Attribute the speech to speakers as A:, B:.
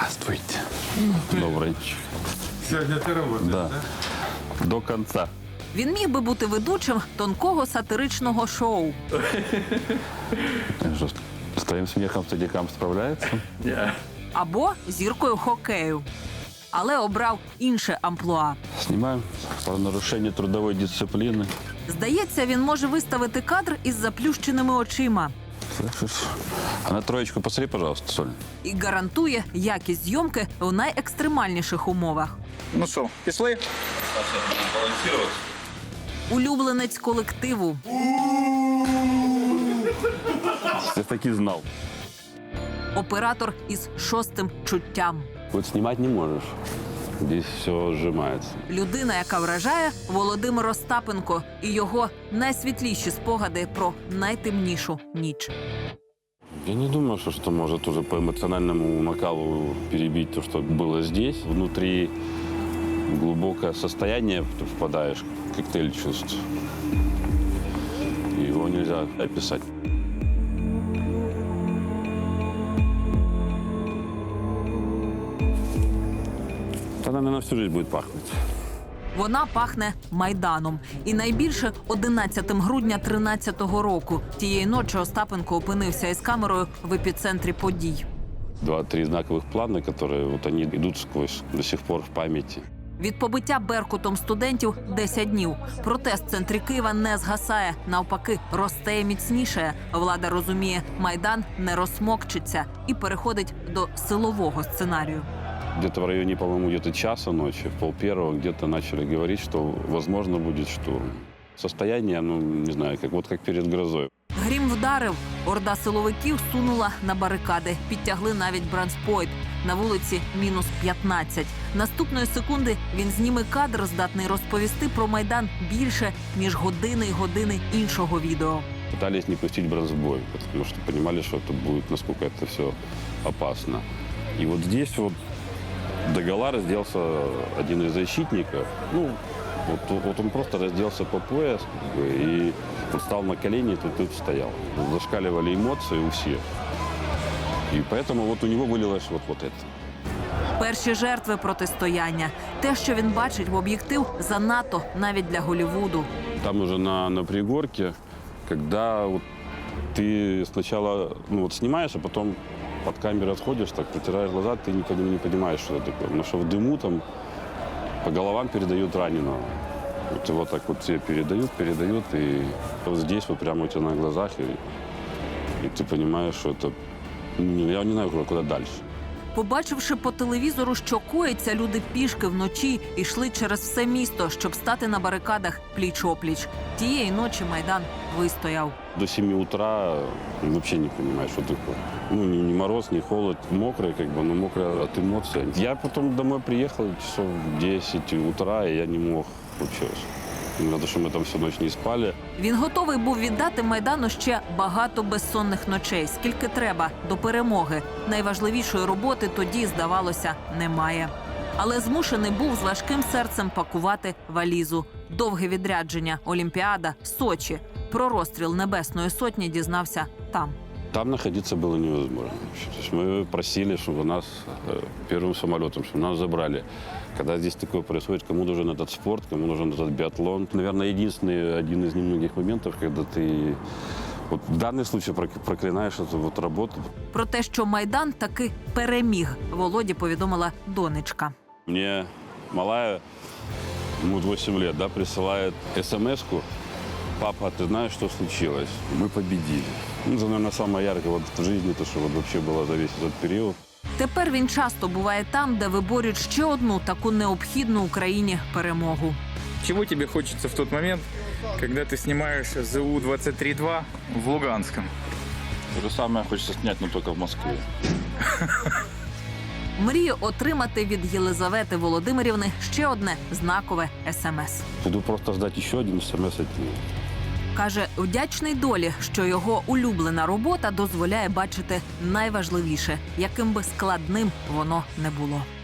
A: Здравствуйте. Добрый.
B: Сегодня ты работаешь,
A: Да. До конца.
C: Він міг би бути ведучим тонкого сатиричного шоу.
A: Что, с твоим смехом стадикам справляется?
C: Або зіркою хокею. Але обрав інше амплуа.
A: Снимаем про нарушение трудовой дисциплины.
C: Здається, він може виставити кадр із заплющеними очима.
A: Слышишь? А на троечку посмотри, пожалуйста, Соль.
C: І гарантує якість зйомки в найекстремальніших умовах.
D: Ну що, пішли?
C: Улюбленець колективу.
A: Я таки знал.
C: Оператор із шостим чуттям.
A: Вот снимать не можешь. Здесь все сжимается.
C: Людина, яка вражає Володимир Остапенко і його найсвітліші спогади про найтемнішу ніч.
A: Я не думаю, что может уже по эмоциональному накалу перебить то, что было здесь. Внутри глубокое состояние, ты впадаешь, коктейль чувств. Его нельзя описать. Она, наверное, всю жизнь будет пахнуть.
C: Вона пахне Майданом. І найбільше 11 грудня 13-го року. Тієї ночі Остапенко опинився із камерою в епіцентрі подій.
A: 2-3 знаковых плана, которые вот они идут сквозь до сих пор в памяти.
C: Від побиття беркутом студентів 10 днів. Протест в центрі Києва не згасає. Навпаки, росте і міцнішає. Влада розуміє, Майдан не розсмокчиться і переходить до силового сценарію.
A: Где-то в районе, по-моему, где-то часа ночи, в 1:30 где-то начали говорить, что возможно будет штурм. Состояние, ну, не знаю, как перед грозой.
C: Грім вдарив. Орда силовиків сунула на барикади. Підтягли навіть бронспойт. На вулиці -15. Наступної секунди він зніме кадр, здатний розповісти про Майдан більше, ніж години й години іншого відео.
A: Пытались не пустить бронзбой, потому что понимали, что это будет, насколько это все опасно. И вот здесь вот догола разделся один из защитников. Ну, вот он просто разделся по пояс и вот стал на колени, тут стоял. Зашкаливали эмоции у всех. И поэтому вот у него вылилось вот это.
C: Перші жертви протистояння. Те, що він бачить в об'єктив, занадто навіть для Голлівуду.
A: Там уже на пригорке, когда вот ты сначала снимаешь, а потом под камерой отходишь, так протираешь глаза, ты никогда не понимаешь, что это такое. Потому что в дыму там по головам передают раненого. Вот его так вот все передают, и вот здесь вот прямо у тебя на глазах, и ты понимаешь, что это... Я не знаю, куда дальше.
C: Побачивши по телевізору, що коїться, люди пішки вночі йшли через все місто, щоб стати на барикадах пліч-опліч. Тієї ночі Майдан вистояв.
A: До 7 утра вообще не понимаешь, что такое. Ну, ни мороз, ни холод, мокрый, но мокрый от эмоций. Я потом домой приехал часов в 10 утра, и я не мог вообще. Потому что мы там всю ночь не спали.
C: Він готовий був віддати Майдану ще багато безсонних ночей, скільки треба, до перемоги. Найважливішої роботи тоді, здавалося, немає. Але змушений був з важким серцем пакувати валізу. Довге відрядження, Олімпіада, Сочі. Про розстріл Небесної Сотні дізнався там.
A: Там находиться было невозможно. То есть мы просили, чтобы нас первым самолетом, чтобы нас забрали. Когда здесь такое происходит, кому нужен этот спорт, кому нужен этот биатлон. Наверное, единственный, один из немногих моментов, когда ты вот в данный случай проклинаешь эту вот работу.
C: Про те, що Майдан таки переміг, Володі повідомила донечка.
A: Мне малая, ему 8 лет, присылает смс-ку: папа, ты знаешь, что случилось? Мы победили. Ну, это, наверное, самое яркое вот в жизни, то, что вот вообще было за весь этот период.
C: Тепер він часто буває там, де виборюють ще одну таку необхідну Україні перемогу.
D: Чего тебе хочется в тот момент, когда ты снимаешь ЗУ-23-2 в Луганском?
A: То же самое хочется снять, но только в Москве.
C: Мрію отримати від Єлизавети Володимирівни ще одне знакове СМС.
A: Буду просто ждать еще один смс от нее.
C: Каже, вдячний долі, що його улюблена робота дозволяє бачити найважливіше, яким би складним воно не було.